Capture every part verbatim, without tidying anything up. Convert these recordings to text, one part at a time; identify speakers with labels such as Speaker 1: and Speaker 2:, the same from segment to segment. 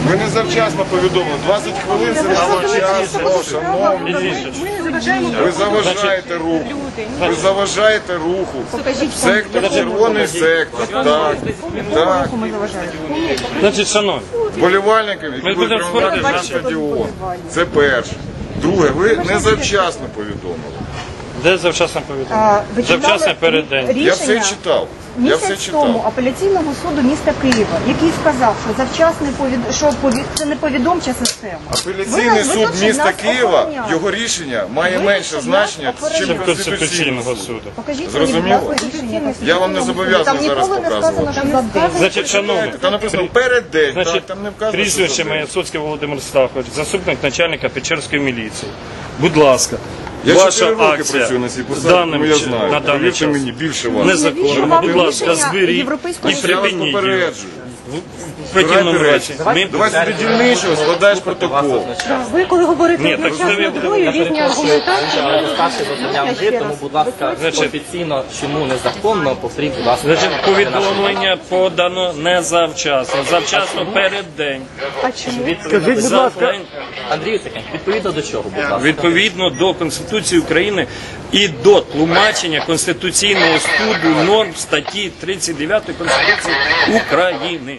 Speaker 1: Ви не завчасно повідомили. двадцять хвилин це не завчасно, шановні. Ви заважаєте руху. Ви заважаєте руху. Сектор, червоний сектор. Так, так.
Speaker 2: Значить, шановні,
Speaker 1: Вболівальникам, які будуть приймати на стадіон. Це перше. Друге, ви не завчасно повідомили.
Speaker 2: де завчасно повідомлення? Завчасно перед день.
Speaker 1: Я все читав. Я все
Speaker 3: Місяць тому
Speaker 1: читав.
Speaker 3: апеляційного суду міста Києва, який сказав, що завчасний повід... що повід... це не повідомча система.
Speaker 1: Апеляційний суд міста Києва, його рішення має менше значення, ніж Конституційного
Speaker 2: суду.
Speaker 3: Покажіть
Speaker 1: Зрозуміло?
Speaker 3: мені, будь ласка, рішення.
Speaker 1: Я вам не зобов'язаний зараз показувати.
Speaker 2: Значить, шановні,
Speaker 1: Там написано перед день,
Speaker 2: значить,
Speaker 1: там не вказано.
Speaker 2: прізвище моє Соцький Володимир Стахович, заступник начальника Печерської міліції. Будь ласка,
Speaker 1: Я
Speaker 2: ваша
Speaker 1: чотири роки
Speaker 2: акція
Speaker 1: працюю на цій посаді,
Speaker 2: даним
Speaker 1: тому я
Speaker 2: чи-
Speaker 1: знаю.
Speaker 2: на даний
Speaker 1: Повірте
Speaker 2: час
Speaker 1: мені, більше вас.
Speaker 2: незаконно. Будь ласка, зберіть і
Speaker 1: Я вас
Speaker 2: припиніть його.
Speaker 1: попереджую.
Speaker 2: В противному разі. Ми...
Speaker 1: Давай собі дільничого, складаєш протокол.
Speaker 3: Ви коли говорите
Speaker 2: Ні,
Speaker 3: про
Speaker 2: так
Speaker 3: час
Speaker 2: це ви-
Speaker 3: зброю, різні аргументації.
Speaker 4: Старший зазнання вже, тому, будь ласка, офіційно, чому незаконно, повторіть, будь ласка.
Speaker 2: Значить, повідомлення подано не завчасно, завчасно перед день.
Speaker 3: А чому?
Speaker 4: Скажіть,
Speaker 2: будь ласка.
Speaker 4: Андрій Тихенко, відповідно до чого, будь ласка?
Speaker 2: Відповідно до Конституції України і до тлумачення Конституційного суду норм статті тридцять дев'ятої Конституції України.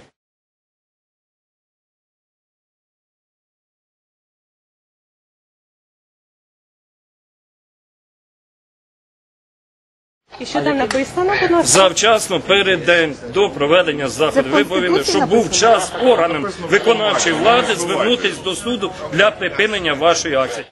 Speaker 5: І що там написано, будь ласка?
Speaker 2: Завчасно перед день до проведення заходу. Ви повинні, щоб був час органам виконавчої влади звернутися до суду для припинення вашої акції.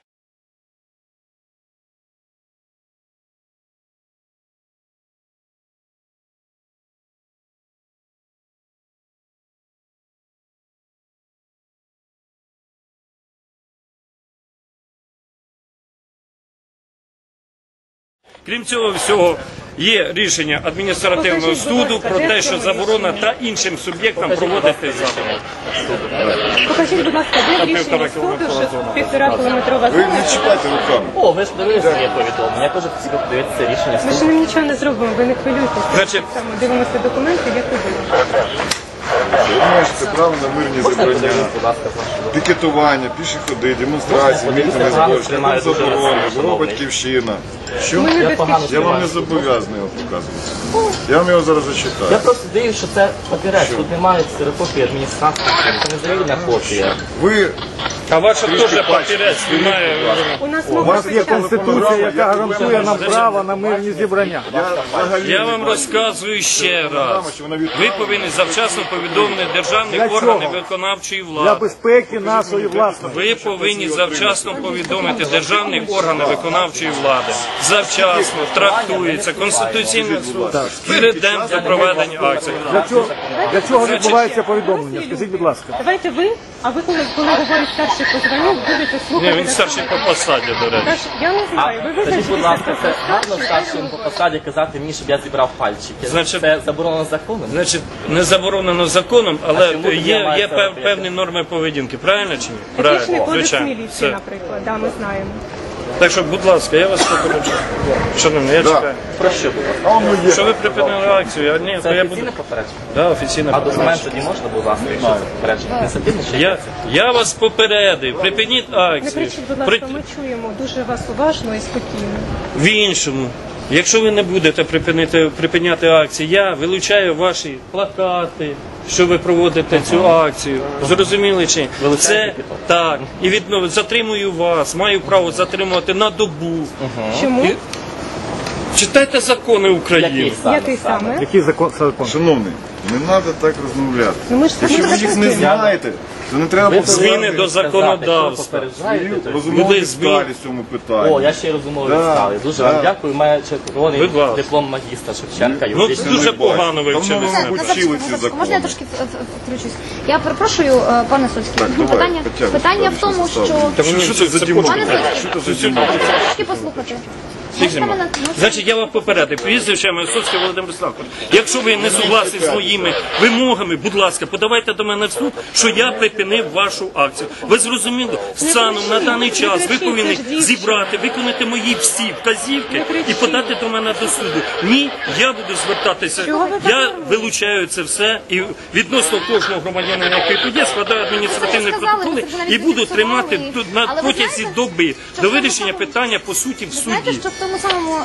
Speaker 2: Крім цього всього, є рішення адміністративного суду про те, що заборона та іншим суб'єктам проводити заходи.
Speaker 5: Покажіть, будь ласка, де рішення суду, що півтора кілометрова
Speaker 1: Ви
Speaker 5: зона.
Speaker 1: не чіпайте руками.
Speaker 4: О, ви ж дивилися є повідомлення, я теж хотів подивитися рішення
Speaker 5: Ми ж
Speaker 4: суду.
Speaker 5: ним нічого не зробимо, ви не хвилюйтеся.
Speaker 2: Значить,
Speaker 5: Саме дивимося документи, як ви думаєте.
Speaker 1: Ви маєте право на мирні зібрання,
Speaker 4: Будь ласка, прошу.
Speaker 1: пікетування, піші ходи, демонстрації, мітинги зборщики, там заборони, бюро батьківщина. Що?
Speaker 5: Ми не
Speaker 4: Я погано
Speaker 5: безпечні.
Speaker 1: Я вам не зобов'язаний його показувати. Я вам його зараз
Speaker 4: Я
Speaker 1: зачитаю.
Speaker 4: просто дивлюсь, що це папірець, тут немає ксерокопії адміністрації, це не завільна копія.
Speaker 1: Ви
Speaker 2: а ваша теж папірець немає.
Speaker 5: У нас
Speaker 1: У
Speaker 5: мова
Speaker 1: вас є
Speaker 6: Конституція, яка гарантує нам право на мирні зібрання.
Speaker 1: Я взагалі
Speaker 2: Я
Speaker 1: не
Speaker 2: вам
Speaker 1: бачу.
Speaker 2: розказую ще раз. Ви повинні завчасно повідомити державні
Speaker 6: Для
Speaker 2: органи
Speaker 6: чого?
Speaker 2: виконавчої
Speaker 6: Для
Speaker 2: влади.
Speaker 6: безпеки нашої власної.
Speaker 2: Ви повинні завчасно повідомити державні органи виконавчої влади. Завчасно трактується Конституційний суд перед днем до проведення акції.
Speaker 6: Для чого, для чого відбувається повідомлення? Скажіть, будь ласка.
Speaker 5: Давайте ви, а ви коли, коли говорить старший по званню, будете
Speaker 2: Ні,
Speaker 5: слухати.
Speaker 2: він
Speaker 5: так
Speaker 2: старший
Speaker 5: само.
Speaker 2: по посаді, до речі.
Speaker 5: Тож, я не знаю, ви
Speaker 4: Скажіть, будь
Speaker 5: визначитеся
Speaker 4: ласка,
Speaker 5: просто
Speaker 4: це гарно
Speaker 5: старший,
Speaker 4: старшим по посаді казати мені, щоб я зібрав пальчики.
Speaker 2: Значить-
Speaker 4: Це заборонено законом?
Speaker 2: Значить, не заборонено законом,
Speaker 4: А
Speaker 2: але
Speaker 4: чому тоді
Speaker 2: є,
Speaker 4: я маю
Speaker 2: є
Speaker 4: це
Speaker 2: пев-
Speaker 4: робити?
Speaker 2: певні норми поведінки. Правильно чи ні?
Speaker 5: Етичний
Speaker 2: Правильно,
Speaker 5: кодекс
Speaker 2: звичайно.
Speaker 5: міліції,
Speaker 2: Все.
Speaker 5: наприклад, да, ми знаємо.
Speaker 2: Так що, будь ласка, я вас попереджаю. Шановні, я чекаю.
Speaker 4: Про що, будь ласка?
Speaker 2: Що ви припинили акцію? Я, ні, то
Speaker 4: Це
Speaker 2: я буду...
Speaker 4: офіційне попередження?
Speaker 2: Да, офіційне
Speaker 4: А документ
Speaker 2: попередження.
Speaker 4: тоді можна, будь ласка, якщо це попередження? Не садівне чи
Speaker 2: Я, я вас попередив, припиніть
Speaker 5: Не
Speaker 2: акцію.
Speaker 5: кричіть, будь
Speaker 2: При-
Speaker 5: ласка, ми чуємо дуже вас уважно і спокійно.
Speaker 2: В іншому, якщо ви не будете припинити, припиняти акції, я вилучаю ваші плакати, що ви проводите цю акцію. Зрозуміли чи ні? Це так. І відно, затримую вас, маю право затримувати на добу.
Speaker 5: Чому?
Speaker 2: І- Читайте закони України.
Speaker 4: Який саме?
Speaker 5: Який саме?
Speaker 6: Який закон? закон?
Speaker 1: Шановний, не треба так розмовляти.
Speaker 5: Ну ми ж
Speaker 1: Якщо ви
Speaker 5: самі
Speaker 1: їх не
Speaker 5: захистили.
Speaker 1: знаєте, то не треба
Speaker 4: Ви
Speaker 2: Зміни
Speaker 1: повторювати
Speaker 2: до законодавства.
Speaker 4: Попереджаєте, то-
Speaker 1: розумові
Speaker 2: Людей змін.
Speaker 1: деталі в цьому питанні.
Speaker 4: О, я ще й розумовий
Speaker 1: Да,
Speaker 4: стали. Дуже
Speaker 1: да.
Speaker 4: вам дякую. Має червоний
Speaker 2: Будь ласка.
Speaker 4: диплом магістра Шевченка.
Speaker 2: Ну,
Speaker 4: юридичний.
Speaker 2: дуже
Speaker 1: не бачу.
Speaker 2: погано ви
Speaker 1: Давно
Speaker 2: вчились.
Speaker 1: ви, мабуть, вчили ці закони.
Speaker 7: Можна я трошки в- в- включусь? Я перепрошую, е, пане Соцький.
Speaker 1: Так, давай,
Speaker 7: Питання,
Speaker 1: Тетяна,
Speaker 7: питання
Speaker 1: далі,
Speaker 7: в тому,
Speaker 1: що
Speaker 7: що...
Speaker 1: Що, що це за дімон?
Speaker 7: Пане Соцький,
Speaker 1: Що це за дімон?
Speaker 7: трошки послухати.
Speaker 2: Тих зима. Значить, я вас попередив. Прізвище моє Соцький Володимир Славкович. Якщо ви не согласні з моїми вимогами, будь ласка, подавайте до мене в суд, що я припинив вашу акцію. Ви зрозуміли? Станом на даний час ви повинні зібрати, виконати мої всі вказівки і подати до мене до суду. Ні, я буду звертатися. Я вилучаю це все і відносно кожного громадянина, який тут є, складаю адміністративні протоколи і буду тримати тут на протязі доби до вирішення питання по суті в
Speaker 7: Знаєте,
Speaker 2: суді.
Speaker 7: що в тому самому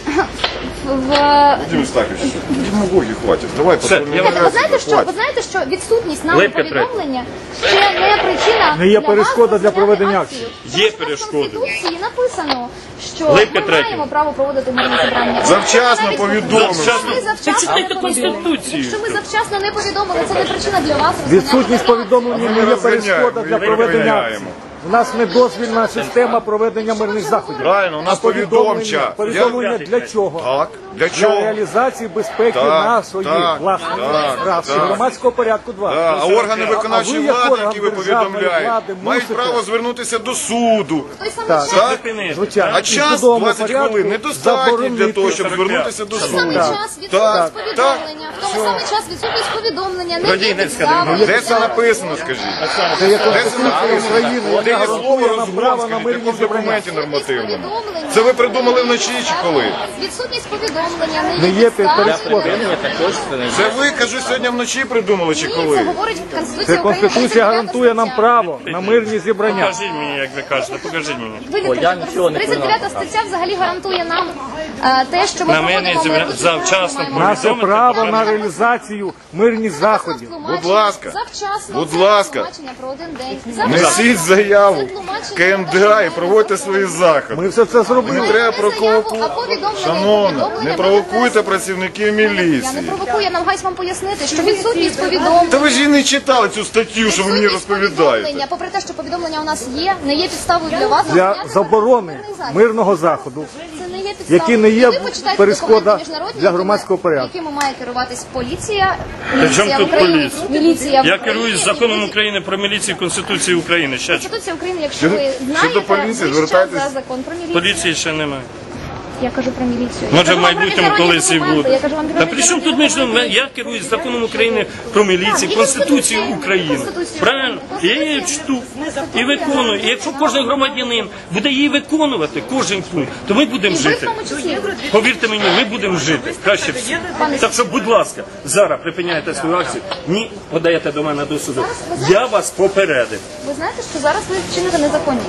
Speaker 7: в
Speaker 1: Владимир Стахович, демагогії хватить. Давай
Speaker 2: Все, я
Speaker 7: ви знаєте, що ви знаєте, що відсутність нами
Speaker 2: Липка третя.
Speaker 7: повідомлення ще не причина
Speaker 6: Не є
Speaker 7: для
Speaker 6: перешкода
Speaker 7: вас
Speaker 6: для
Speaker 7: розпочати
Speaker 6: проведення
Speaker 7: акцію.
Speaker 6: акції.
Speaker 2: Є
Speaker 7: Тому що
Speaker 2: перешкоди.
Speaker 7: В Конституції написано, що
Speaker 2: Липка
Speaker 7: ми
Speaker 2: третя.
Speaker 7: маємо право проводити мирні зібрання.
Speaker 1: Завчасно
Speaker 7: Навіть
Speaker 1: повідомили.
Speaker 7: Якщо ми
Speaker 2: Це
Speaker 7: завчасно
Speaker 2: читайте
Speaker 7: не повідомили.
Speaker 2: Конституцію.
Speaker 7: Якщо ми завчасно не повідомили, це не причина для вас.
Speaker 6: Відсутність повідомлення не є перешкода для
Speaker 1: Ми
Speaker 6: проведення
Speaker 1: розганяємо.
Speaker 6: акції. У нас недозвільна система проведення мирних заходів.
Speaker 1: Правильно, у нас
Speaker 6: А повідомлення,
Speaker 1: повідомча.
Speaker 6: повідомлення
Speaker 2: Я-
Speaker 6: для чого?
Speaker 1: Так, для
Speaker 6: Для
Speaker 1: чого?
Speaker 6: реалізації безпеки
Speaker 1: Так,
Speaker 6: нашої
Speaker 1: так,
Speaker 6: власної
Speaker 1: так,
Speaker 6: раз, і
Speaker 1: так.
Speaker 6: громадського порядку два.
Speaker 1: Да, а органи виконавчої
Speaker 6: А ви, як
Speaker 1: влади,
Speaker 6: орган
Speaker 1: які ви
Speaker 6: державної
Speaker 1: повідомляєте,
Speaker 6: влади,
Speaker 1: мають
Speaker 6: мусите-
Speaker 1: право звернутися до суду.
Speaker 7: В той самий
Speaker 6: Так.
Speaker 7: час,
Speaker 1: Так?
Speaker 2: Зупинити.
Speaker 6: Звичайно.
Speaker 1: А
Speaker 6: І в
Speaker 1: час
Speaker 6: судовому
Speaker 1: двадцять
Speaker 6: порядку
Speaker 1: хвилин недостатньо для
Speaker 6: заборонити.
Speaker 1: того, щоб звернутися до
Speaker 7: в той самий
Speaker 1: суду.
Speaker 7: час відсутність
Speaker 1: Так,
Speaker 7: повідомлення, в той самий час відсутність повідомлення, не є
Speaker 2: Радійницька
Speaker 7: підставою.
Speaker 1: Де це написано, скажіть?
Speaker 6: Це є
Speaker 1: Де це
Speaker 6: Конституція
Speaker 1: написано?
Speaker 6: України,
Speaker 1: Де
Speaker 6: яка
Speaker 1: є слово
Speaker 6: гарантує нам
Speaker 1: розгон,
Speaker 6: право на
Speaker 1: скажіть, в
Speaker 6: мирні
Speaker 1: якому
Speaker 6: зібрання.
Speaker 1: документі нормативному?
Speaker 7: Повідомлення.
Speaker 1: Це ви придумали вночі чи коли?
Speaker 7: Відсутність повідомлення не
Speaker 6: Не
Speaker 7: є
Speaker 6: є
Speaker 7: підставою.
Speaker 6: перешкодою.
Speaker 4: Припинення також це не
Speaker 1: Це ви, кажу, сьогодні вночі придумали чи
Speaker 7: Ні,
Speaker 1: коли?
Speaker 7: це говорить Конституція
Speaker 6: Це
Speaker 7: України.
Speaker 6: Конституція гарантує нам
Speaker 7: стаття.
Speaker 6: право на мирні зібрання.
Speaker 2: Покажіть мені, як ви кажете, покажіть мені.
Speaker 7: Ви
Speaker 4: О, я нічого не
Speaker 7: тридцять дев'ята стаття взагалі гарантує нам е, те, що ми
Speaker 2: На мирні
Speaker 7: проводимо
Speaker 2: зібрання
Speaker 7: мирні
Speaker 2: завчасно
Speaker 7: маємо
Speaker 6: Наше
Speaker 2: повідомити.
Speaker 6: право на реалізацію мирних заходів.
Speaker 1: Будь ласка,
Speaker 7: Завчасно.
Speaker 1: будь
Speaker 7: це
Speaker 1: ласка.
Speaker 7: тлумачення про один день. Завчасно.
Speaker 1: Несіть заяву КМДА і проводьте свої заходи.
Speaker 6: Ми все це
Speaker 1: Не
Speaker 6: зробили.
Speaker 1: треба
Speaker 7: заяву, а
Speaker 1: провокувати.
Speaker 7: повідомлення,
Speaker 1: Шановна,
Speaker 7: повідомлення
Speaker 1: не
Speaker 7: про
Speaker 1: провокуйте
Speaker 7: це.
Speaker 1: працівників
Speaker 7: Я не
Speaker 1: міліції.
Speaker 7: провокую, я намагаюсь вам пояснити, що відсутність повідомлення.
Speaker 1: Та ви ж і не читали цю статтю, що ви мені
Speaker 7: відсутність
Speaker 1: розповідаєте.
Speaker 7: повідомлення, попри те, що повідомлення у нас є, не є підставою для вас.
Speaker 6: Для
Speaker 7: зупиняти
Speaker 6: заборони
Speaker 7: мирний захід.
Speaker 6: мирного заходу,
Speaker 7: Це не є підставою.
Speaker 6: які не є
Speaker 7: І ви почитайте
Speaker 6: перешкода
Speaker 7: документи міжнародні,
Speaker 6: для громадського
Speaker 7: якими-
Speaker 6: порядку.
Speaker 7: якими має керуватись поліція,
Speaker 2: чому
Speaker 7: міліція в
Speaker 2: тут
Speaker 7: Україні,
Speaker 2: поліція?
Speaker 7: міліція в
Speaker 2: Я
Speaker 7: Україні,
Speaker 2: керуюсь
Speaker 7: і
Speaker 2: законом
Speaker 7: ви-
Speaker 2: України про міліцію і Конституції України. Ще
Speaker 7: Конституція України, якщо ви
Speaker 1: Щодо
Speaker 7: знаєте,
Speaker 1: поліції,
Speaker 7: ви
Speaker 1: звертайтесь-
Speaker 7: за закон про міліцію.
Speaker 2: поліції ще немає.
Speaker 7: Я кажу про міліцію.
Speaker 2: Може,
Speaker 7: Я
Speaker 2: в
Speaker 7: кажу вам про
Speaker 2: майбутньому
Speaker 7: міжнародні
Speaker 2: колись і
Speaker 7: документи.
Speaker 2: буде.
Speaker 7: Я кажу вам про
Speaker 2: Та при чому тут
Speaker 7: міжнародні
Speaker 2: між я керуюсь законом України про міліцію,
Speaker 7: і
Speaker 2: Конституцією
Speaker 7: Конституцією.
Speaker 2: України.
Speaker 7: Конституцією.
Speaker 2: Правильно? Я її чту і виконую. І якщо кожен громадянин буде її виконувати, кожен пункт, то ми будемо
Speaker 7: І ви в
Speaker 2: жити.
Speaker 7: тому числі.
Speaker 2: Повірте мені, ми будемо жити. Краще всі. Так що, будь ласка, зараз припиняйте свою акцію. Ні, подаєте до мене до суду. Я вас попередив.
Speaker 7: Ви знаєте, що зараз ви вчините незаконність.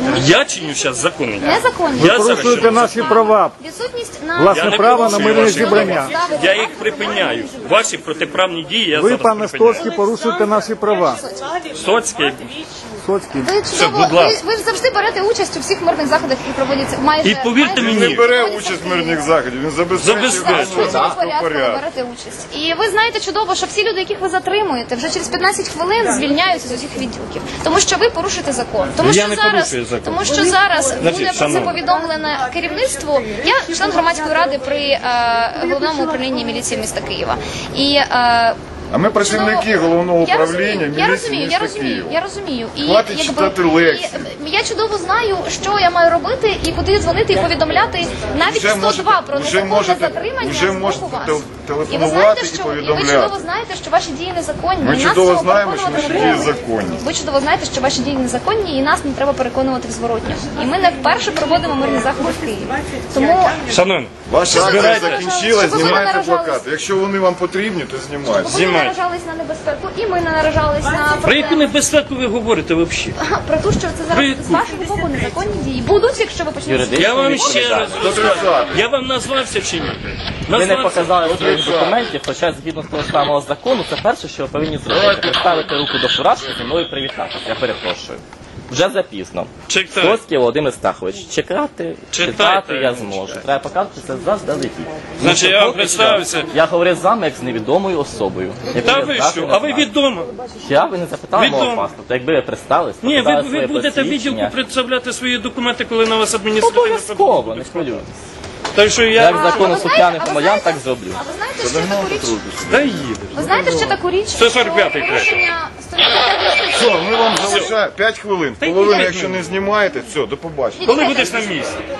Speaker 2: Я чиню зараз закони.
Speaker 7: Незаконність.
Speaker 2: Я зараз
Speaker 6: Порушуєте
Speaker 2: чиню
Speaker 6: наші права,
Speaker 7: Відсутність на
Speaker 6: власне
Speaker 2: Я не
Speaker 6: право на
Speaker 2: порушую
Speaker 6: мирне
Speaker 2: ваші
Speaker 6: зібрання.
Speaker 2: Я їх припиняю. Ваші протиправні дії я
Speaker 6: Ви,
Speaker 2: зараз
Speaker 6: пане
Speaker 2: припиняю.
Speaker 6: Стоцький, порушуєте наші права.
Speaker 2: Соцький.
Speaker 6: Стоцький.
Speaker 7: Ви чудово,
Speaker 2: будь
Speaker 7: ви,
Speaker 2: ласка.
Speaker 7: ви ж завжди берете участь у всіх мирних заходах, які проводяться майже.
Speaker 2: І повірте
Speaker 7: майже-
Speaker 1: Він
Speaker 2: мені,
Speaker 1: не бере участь в мирних заходів, він забезпечує
Speaker 2: Забезпечує.
Speaker 7: В порядку ви
Speaker 1: порядок.
Speaker 7: берете участь. І ви знаєте чудово, що всі люди, яких ви затримуєте, вже через п'ятнадцять хвилин звільняються з усіх відділків. Тому що ви порушуєте закон. Тому
Speaker 2: Я
Speaker 7: що
Speaker 2: не
Speaker 7: зараз,
Speaker 2: порушую закон.
Speaker 7: тому що зараз буде про це
Speaker 2: шановні.
Speaker 7: повідомлено керівництву. Я член громадської ради при е, головному управлінні міліції міста Києва. І е,
Speaker 1: А ми працівники
Speaker 7: Ну,
Speaker 1: головного
Speaker 7: я
Speaker 1: управління
Speaker 7: розумію, я
Speaker 1: міліції
Speaker 7: розумію, я
Speaker 1: міста
Speaker 7: розумію,
Speaker 1: Києва.
Speaker 7: я розумію. І
Speaker 1: Хватить
Speaker 7: якби,
Speaker 1: читати лекції.
Speaker 7: і, я чудово знаю, що я маю робити і куди дзвонити і повідомляти навіть
Speaker 1: Вже
Speaker 7: сто два
Speaker 1: можете-
Speaker 7: про
Speaker 1: вже
Speaker 7: незаконне
Speaker 1: можете-
Speaker 7: затримання
Speaker 1: вже
Speaker 7: з боку
Speaker 1: можете
Speaker 7: вас.
Speaker 1: тел-
Speaker 7: І
Speaker 1: телефонувати
Speaker 7: ви знаєте,
Speaker 1: і
Speaker 7: що і ви
Speaker 1: повідомляти.
Speaker 7: чудово знаєте, що ваші дії незаконні.
Speaker 1: Ми
Speaker 7: і нас
Speaker 1: чудово
Speaker 7: цього
Speaker 1: знаємо, що
Speaker 7: переконувати
Speaker 1: наші
Speaker 7: не
Speaker 1: дії
Speaker 7: треба.
Speaker 1: законні.
Speaker 7: Ви чудово знаєте, що ваші дії незаконні, і нас не треба переконувати в зворотньому. І ми не вперше проводимо мирні заходи в Києві. Тому
Speaker 2: шановні,
Speaker 1: Ваша акція
Speaker 2: Збирайте.
Speaker 1: закінчилась,
Speaker 7: Щоб ви не
Speaker 1: знімайте
Speaker 7: наражались.
Speaker 1: плакати. Якщо вони вам потрібні, то знімайте.
Speaker 7: ви не
Speaker 2: Знімайте.
Speaker 7: наражались на небезпеку, і ми не наражались на
Speaker 2: про яку
Speaker 7: проблеми.
Speaker 2: небезпеку ви говорите взагалі?
Speaker 7: Про те, що це
Speaker 2: Про
Speaker 7: зараз
Speaker 2: яку?
Speaker 7: з вашого боку незаконні дії. Будуть, якщо ви почнете.
Speaker 4: Юридично.
Speaker 2: Я вам ще раз розказую.
Speaker 1: Отрицати.
Speaker 2: Я вам назвався чи ні?
Speaker 4: Ви не
Speaker 2: Назвався.
Speaker 4: показали своїх документів, хоча згідно з того самого закону, це перше, що ви повинні зробити. Поставити руку до фуражки, зі мною привітатися. Я перепрошую. Вже запізно.
Speaker 2: Читай.
Speaker 4: Стоцький Володимир Стахович. Чекати,
Speaker 2: Читайте.
Speaker 4: читати я зможу. Треба показати це заздалегідь.
Speaker 2: Значить,
Speaker 4: Тому
Speaker 2: я
Speaker 4: що
Speaker 2: вам
Speaker 4: поки
Speaker 2: представився.
Speaker 4: що Я говорив з вами як з невідомою особою. яку
Speaker 2: Та
Speaker 4: я
Speaker 2: ви
Speaker 4: здатний
Speaker 2: що?
Speaker 4: не
Speaker 2: А ви
Speaker 4: знати.
Speaker 2: відомо?
Speaker 4: Я ви не запитали мого
Speaker 2: Відомо.
Speaker 4: паспорта. Якби ви представились,
Speaker 2: Ні, ви,
Speaker 4: показали
Speaker 2: ви
Speaker 4: своє
Speaker 2: будете відділку
Speaker 4: посвідчення.
Speaker 2: представляти свої документи, коли на вас адміністративне
Speaker 4: Обов'язково, не хвилюйтесь.
Speaker 2: Так що
Speaker 4: Як
Speaker 2: я...
Speaker 4: закону
Speaker 7: ви знаєте-
Speaker 4: сухляних
Speaker 7: а ви
Speaker 4: громадян,
Speaker 7: знаєте-
Speaker 4: так зроблю.
Speaker 7: А ви знаєте, що таку річ?
Speaker 2: Дай їде.
Speaker 7: Ви знаєте, що таку річ?
Speaker 2: сто сорок п'ятий
Speaker 7: що порушення сто сорок п'ятої
Speaker 1: Все, ми вам залишаємо п'ять хвилин.
Speaker 2: Та й
Speaker 1: Половину,
Speaker 2: п'ять
Speaker 1: якщо не
Speaker 2: хвилин.
Speaker 1: знімаєте, все, до побачення.
Speaker 2: Коли будеш на місці?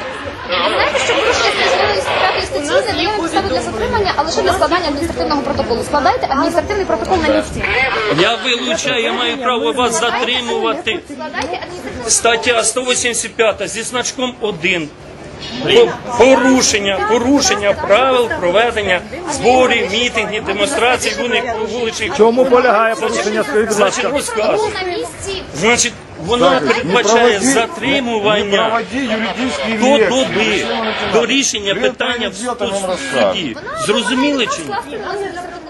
Speaker 7: Ви знаєте, що порушення п'ятої статті не дає підстави для затримання, а лише для складання адміністративного протоколу. Складайте адміністративний протокол на місці.
Speaker 2: Я вилучаю, я маю право вас затримувати.
Speaker 7: Складайте адміністративний
Speaker 2: Стаття сто вісімдесят п'ять зі значком один. Порушення, порушення правил проведення зборів, мітингів, демонстрацій, вуличних.
Speaker 6: В чому полягає порушення, скажіть, будь
Speaker 2: Значить,
Speaker 6: ласка?
Speaker 2: розкажу.
Speaker 7: протокол на місці.
Speaker 2: Значить, вона передбачає
Speaker 1: Не
Speaker 2: затримування
Speaker 1: проводи юридичний
Speaker 2: до
Speaker 1: лекції.
Speaker 2: доби, до рішення
Speaker 1: Ви
Speaker 2: питання в
Speaker 1: пройдете нам
Speaker 2: суді. Зрозуміли чи ні?
Speaker 7: Скласти адміністративний